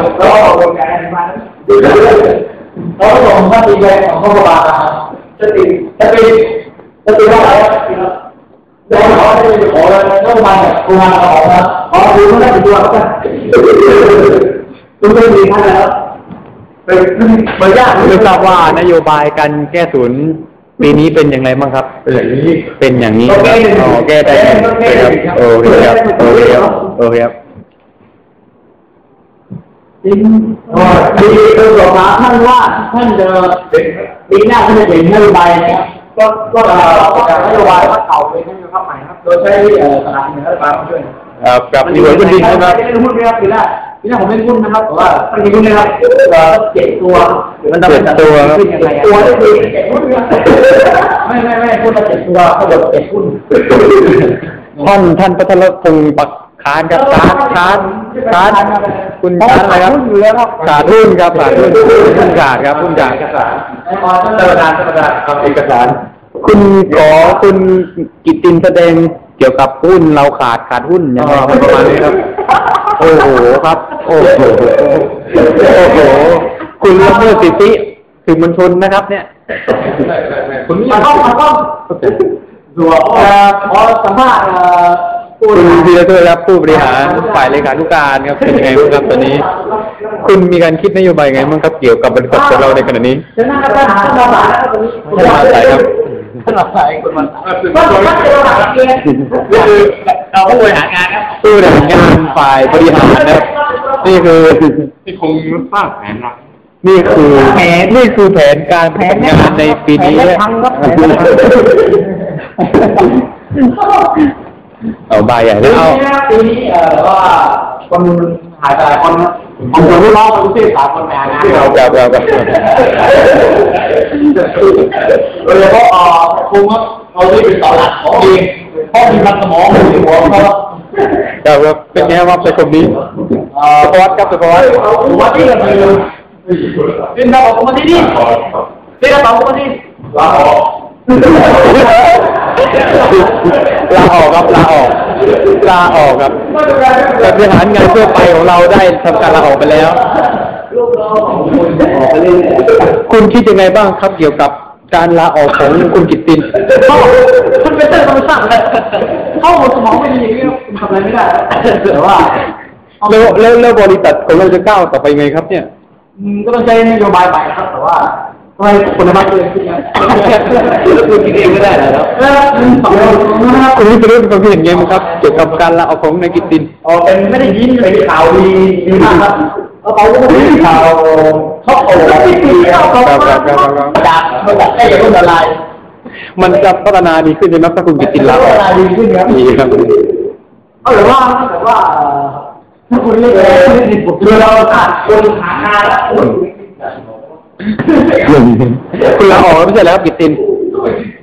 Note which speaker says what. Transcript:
Speaker 1: แล้วออกกำลังกายมาแล้วผมก็ตีแรงของข้อบาจะตีว่าอะไรโดนเขาจะไปขอเลยต้องมาแบบกูมาขอนะขอดูไม่ได้ตัวกันคุณไม่ดีท่านแล้วเป็นยาก
Speaker 2: ไม่ทราบว่านโยบายการแก้ศูนย์ปีนี้เป็นอย่างไรบ้างครับเป็นอย่างนี้อ๋อแก้ได้ครับโอเคครับ
Speaker 1: จริงดีคือสอบถามท่านว่าท่านจะปีหน้าท่านจะเห็นนโยบายนะครับก็จากนโยบายว่าเก่าเป็นนโยบายใหม่ครับโดยใช้สถานที่รัฐบาลมาช่วย
Speaker 2: กับดีกว่าคุณดินใช่ไหม
Speaker 1: ไม่ได้พูดนะครับปีหน้าผมไม่ได้พูดนะครับแต่ว่าไม่ได้พูดนะครับเจ็ดตัว
Speaker 2: มันเจ็ดตัวครับ
Speaker 1: ตัวได้ดีเจ็ดหุ้นไม่พูดว่าเจ็ดตัวเขาบอกเจ็ดหุ้น
Speaker 2: ท่านพัทรพงศ์ปักคานครับคานคุณคานอะไรครับขาดหุ้นครับขาดหุ้นขาดครับหุ้นขาดเอกสาร
Speaker 1: ครับเอกสาร
Speaker 2: คุณกิตตินแสดงเกี่ยวกับหุ้นเราขาดหุ้นอย่างไรประมาณนี้ครับโอ้โหครับโอ้โหคุณละเมิดสิทธิสื่อมวลชนนะครับเนี่ย
Speaker 1: คุณมาต้องดูขอสัมภาษณ์
Speaker 2: คุณธีรเทพครับผู้บริหารฝ่ายเลขานุการครับเป็นยังไงบ้างครับตอนนี้คุณมีการคิดนโยบายไงบ้างครับเกี่ยวกับบริษัทของเราในขณะนี้
Speaker 1: ท่านมา
Speaker 2: สายครับ
Speaker 1: ท่านมาสายคนมันก็คือเราผู้บริหารงานครับ
Speaker 2: ผู้บริหารงานฝ่ายบริหารนะครับนี่คือ
Speaker 3: ที่คงสร้างแผนนะ
Speaker 2: นี่คือแผนการทำงานในปีนี้เอาใบใหญ่แล้ว
Speaker 1: ปีนี้ว่าคนหายไปหลายคนผมจะรู้ร้องคนที่สามคนแม่นะ
Speaker 2: ครับ
Speaker 1: เลยเพราะคงเอาที่เป็นต่อหลักของเองเพราะมีมันสมองมีหัวเขา
Speaker 2: ครับเป็นไงว่าเป็นคนนี้ประวัติครับประวัติ
Speaker 1: ที่เราเป็นเราของคนที่นี่เป็นเราของคนที่
Speaker 2: ลาออกครับลาออกครับแต่บริหารงานทั่วไปของเราได้ทำการลาออกไปแล้วคุณคิดยังไงบ้างครับเกี่ยวกับการลาออกของคุณกิตติน
Speaker 1: มันเป็นเรื่องธรรมชาติเลยเข้าสมองไม่ดีอย่างนี้คุณทำอะไรไม่ได้แต่ว่า
Speaker 2: แล้วบริษัทของเราจะก้าวต่อไปไงครับเนี่ย
Speaker 1: ก็ต้องใช้นโยบายใหม่ครับแต่ว่าทำไมคนละบ้านเกินขึ้นนะคุณคิดเองไม่ได้แล้ว
Speaker 2: คุณนี่เป็นเรื่องความคิดเห็นไงครับเกี่ยวกับการลาออกของนายกิตติน
Speaker 1: เป็นไม่ได้ยินเป็นข่าวดีมากครับเขาก็ไม่ได้ข่าวเขาโอ้จากมาจากได้ยังละลาย
Speaker 2: มันจะพัฒนาดีขึ้นใช่ไหมถ้าคุณกิตตินลาออก
Speaker 1: ดีขึ้นครับ
Speaker 2: ดีครับ
Speaker 1: หรือว่าถ้าคุณเลือกเราขาดคนหางานแล้ว
Speaker 2: คุณลาออกไม่ใช่แล้วกิตติน